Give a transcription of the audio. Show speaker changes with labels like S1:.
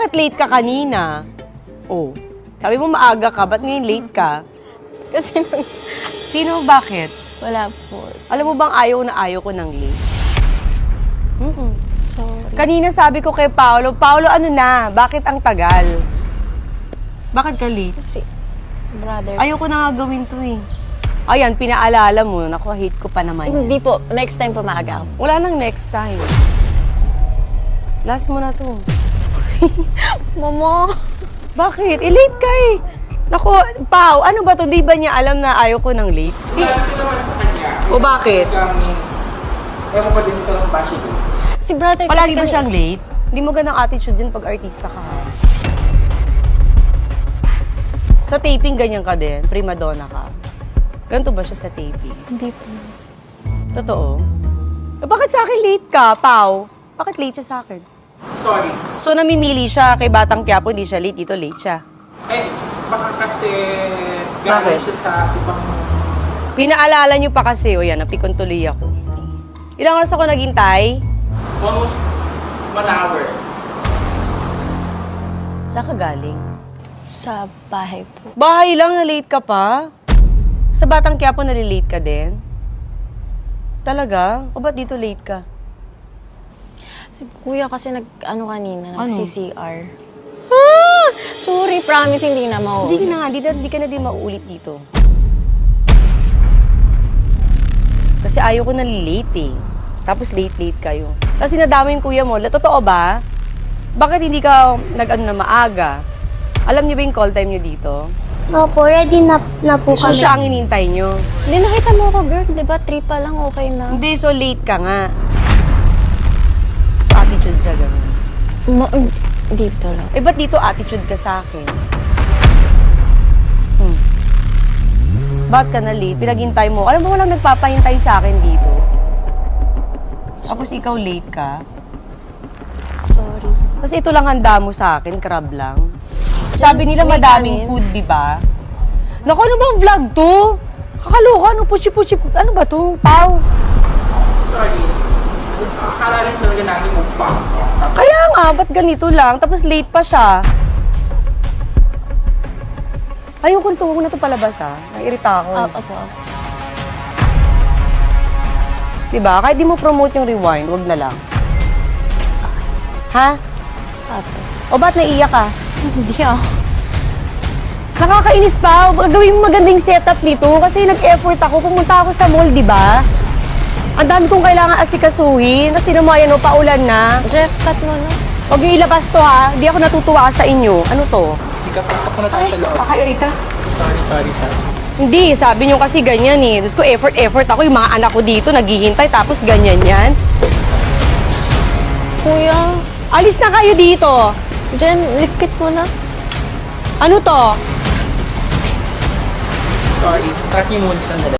S1: Bakit late ka kanina? Oh, sabi mo maaga ka, ba't ngayon late ka?
S2: Kasi
S1: Sino, bakit?
S2: wala po.
S1: Alam mo bang ayaw ko ng late?
S2: Sorry.
S1: Kanina sabi ko kay Paolo, ano na, bakit ang tagal? Bakit ka late?
S2: Kasi, brother.
S1: Ayoko na nga gawin to eh. Ayan, pinaalala mo. Naku, hate ko pa naman yan.
S2: Hindi po. Next time po maaga ako.
S1: Wala nang next time. Last mo na to.
S2: Mama!
S1: Bakit? Late ka eh. Naku, Pao, ano ba to? Di ba niya alam na ayaw ko ng late?
S3: Sabi naman sa kanya.
S1: O bakit?
S3: Ewan ko din ito ng bashi doon.
S2: Si brother
S1: Palagi ba
S2: kasi
S1: siyang late? Hindi mo ganang attitude yun pag artista ka ha. Sa taping, ganyan ka din. Prima donna ka. Ganito ba siya sa taping?
S2: Hindi po.
S1: Totoo? Bakit sa akin late ka, Pao? Bakit late siya sa akin?
S3: Sorry.
S1: So, namimili siya kay Batang Quiapo, hindi siya late. Dito, late siya.
S3: Eh, baka kasi
S1: Bakit?
S3: galing siya sa ibang...
S1: Pinaalala niyo pa kasi, o yan, napikon tuloy ako. Ilang oras ako naghintay?
S3: Almost 1 hour.
S1: Saan ka galing?
S2: Sa bahay po.
S1: Bahay lang, na late ka pa? Sa Batang Quiapo, nalilate ka din? Talaga? O ba't dito late ka?
S2: Si kuya kasi ano kanina,
S1: Ano?
S2: nag-CCR. Sorry, promise, hindi na
S1: Hindi
S2: mauulit.
S1: ka na nga, hindi ka na din mauulit dito. Kasi ayaw ko na late eh. Tapos late kayo. Kasi nadama yung kuya mo. Totoo ba? Bakit hindi ka nag-ano na maaga? Alam niyo ba yung call time niyo dito?
S4: Opo, ready na po
S1: So
S4: kami.
S1: siya ang inintay niyo.
S2: Hindi, nakita mo ako, girl. Di ba? 3 pa lang, okay na.
S1: Hindi, so late ka nga. So attitude siya ganun.
S2: Dito lang.
S1: Eh, ba't dito attitude ka sa akin? Ba't ka na late? Pinaghintay mo. Alam mo, walang nagpapahintay sa akin dito. Tapos ikaw late ka.
S2: Sorry.
S1: Kasi ito lang handa mo sa akin, crab lang. Sabi nila
S2: May
S1: madaming
S2: kanin.
S1: food, di ba? Naku, ano bang vlog to? Kakaloka, ano, puchi-puchi, ano ba to? Pau.
S3: Sorry. Akala rin talaga namin mukbang.
S1: Kaya nga, ba't ganito lang? Tapos late pa siya. Ayun, huwag na ito palabas ha. Nairita ako.
S2: Opo.
S1: Diba? Kahit di mo promote yung rewind, wag na lang. Ha?
S2: Opo.
S1: O ba't naiiyak ka?
S2: Hindi ako.
S1: Nakakainis pa. Gawin mo magandang setup nito kasi nag-effort ako. Pumunta ako sa mall, di ba? Ang dami kong kailangan asikasuhin. Kasi naman yan, paulan na.
S2: Jeff, cut mo na.
S1: Huwag niyo ilabas to ha. Di ako natutuwa sa inyo. Ano to?
S3: Hindi ka pasok na tayo sa loob.
S1: Kakairita.
S3: Sorry.
S1: Hindi, sabi niyo kasi ganyan eh. Tapos ko effort ako. Yung mga anak ko dito naghihintay tapos ganyan yan.
S2: Kuya,
S1: Alis na kayo dito.
S2: Jen, lipit mo na.
S1: Ano to?
S3: Sorry. Track niyo muna sandali.